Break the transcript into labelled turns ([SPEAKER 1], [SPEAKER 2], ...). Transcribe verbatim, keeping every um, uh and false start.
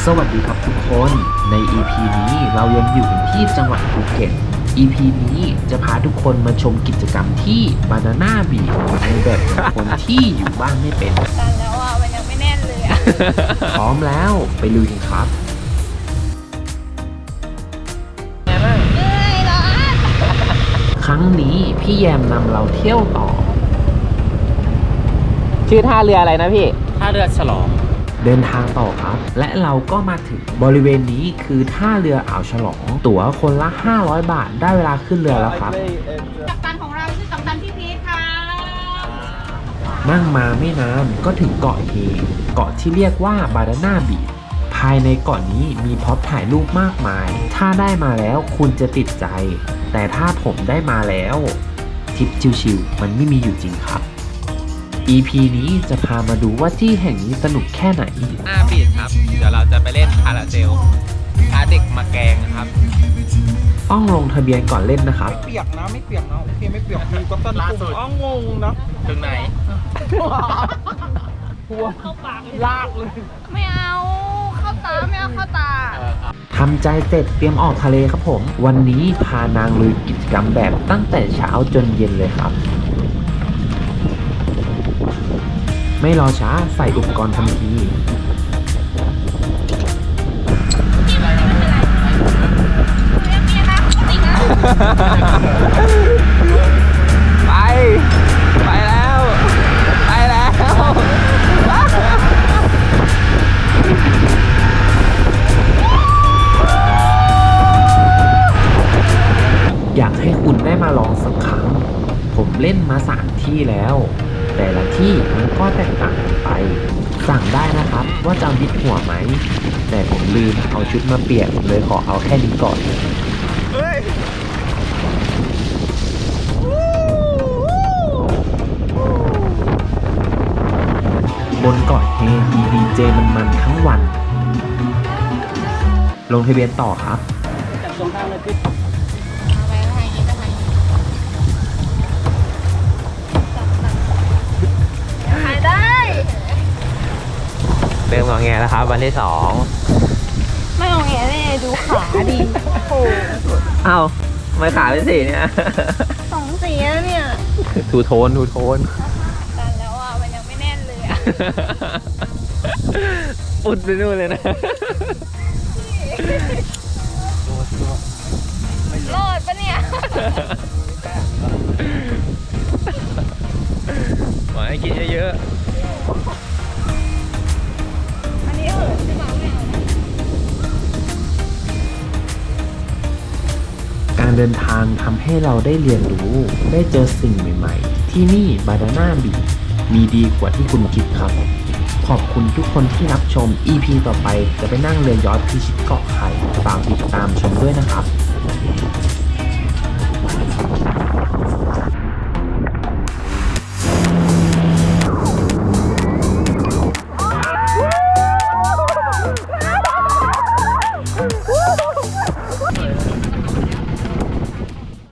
[SPEAKER 1] สวัสดีครับทุกคน ใน อี พี นี้เรายังอยู่กันที่จังหวัดภูเก็ต อี พี นี้จะพาทุกคนมาชมกิจกรรมที่ Banana Beach ในแบบของคนที่อยู่บ้านไม่เป็น
[SPEAKER 2] ตันแล้วอ่ะมันยังไม่แน่นเลยอ่ะ
[SPEAKER 1] พร้อมแล้วไปลุยกันครับ
[SPEAKER 2] เหนื่อยเหรอ
[SPEAKER 1] ครั้งนี้พี่แยมนำเราเที่ยวต่อ
[SPEAKER 3] ชื่อท่าเรืออะไรนะพี่
[SPEAKER 4] ท่าเรือฉลอง
[SPEAKER 1] เดินทางต่อครับ และเราก็มาถึงบริเวณนี้คือท่าเรืออ่าวฉลอง ตั๋วคนละห้าร้อยบาทได้เวลาขึ้นเรือแล้วครับ
[SPEAKER 2] กัปตันของเราชื่อกัปตันพี่พีทค่ะ
[SPEAKER 1] นั่งมาไม่นานก็ถึงเกาะเฮเกาะที่เรียกว่าบานาน่าบีชภายในเกาะนี้มีพร็อพถ่ายรูปมากมาย ถ้าได้มาแล้วคุณจะติดใจ แต่ถ้าผมได้มาแล้วทริปชิวๆมันไม่มีอยู่จริงครับ อี พี นี้จะพามาดูว่าที่แห่งนี้สนุกแค่ไหน
[SPEAKER 4] หน้าบีดครับ เดี๋ยวเราจะไปเล่นพาราเซลพาเด็กมาแกงครับ
[SPEAKER 1] ต้องลงทะเบียนก่อนเล่นนะครับ
[SPEAKER 5] ไม่เปียกนะไม่เปียกนะโอเคไม่เปียกมีก็ต้น
[SPEAKER 4] ล่าสุด
[SPEAKER 5] อ้องงนะ
[SPEAKER 4] ถึงไหน
[SPEAKER 5] ทัวเข้าปากลากเลย
[SPEAKER 2] ไม่เอาเข้าตาไม่เอาเข้าตา
[SPEAKER 1] ทำใจเสร็จเตรียมออกทะเลครับผม วันนี้พานางลุยกิจกรรมแบบตั้งแต่เช้าจนเย็นเลยครับ ไม่รอช้าใส่อุปกรณ์ทันที
[SPEAKER 3] ไป ไปแล้ว ไปแล้ว
[SPEAKER 1] อยากให้คุณได้มาลองสักครั้ง ผมเล่นมาสามที่แล้ว แต่ละที่มันก็แตกต่างกันไป สั่งได้นะครับว่าจะเอาดิบหัวไหม แต่ผมลืมเอาชุดมาเปลี่ยนเลยขอเอาแค่นี้ก่อน บนเกาะเฮมีดีเจมันๆทั้งวัน ลงทะเบียนต่อครับ
[SPEAKER 2] ถ่ายได้
[SPEAKER 3] เริ่มงอแงแล้วครับวันที่สอง
[SPEAKER 2] ไม่งงแงแน่ดูขาดีโอ้โห
[SPEAKER 3] เอ้าทำไมขาเป็นสีเนี่ย
[SPEAKER 2] สองสีแล้วเนี่ย
[SPEAKER 3] ทูโทนทูโทน
[SPEAKER 2] ตันแล้วอ่ะมันยังไม่แน่นเลยอ่ะ
[SPEAKER 3] อุดไปนู่นเลยนะ
[SPEAKER 2] รอดปะเนี่ย
[SPEAKER 3] หมาให้กินเยอะ
[SPEAKER 2] อันนี้เหินใช่ไหมไม่เอานะ
[SPEAKER 1] การเดินทางทำให้เราได้เรียนรู้ ได้เจอสิ่งใหม่ๆ ที่นี่บานาน่าบีชมีดีกว่าที่คุณคิดครับ ขอบคุณทุกคนที่รับชม อี พี ต่อไปจะไปนั่งเรือยอชท์พิชิตเกาะไข่ฝากติดตามชมด้วยนะครับ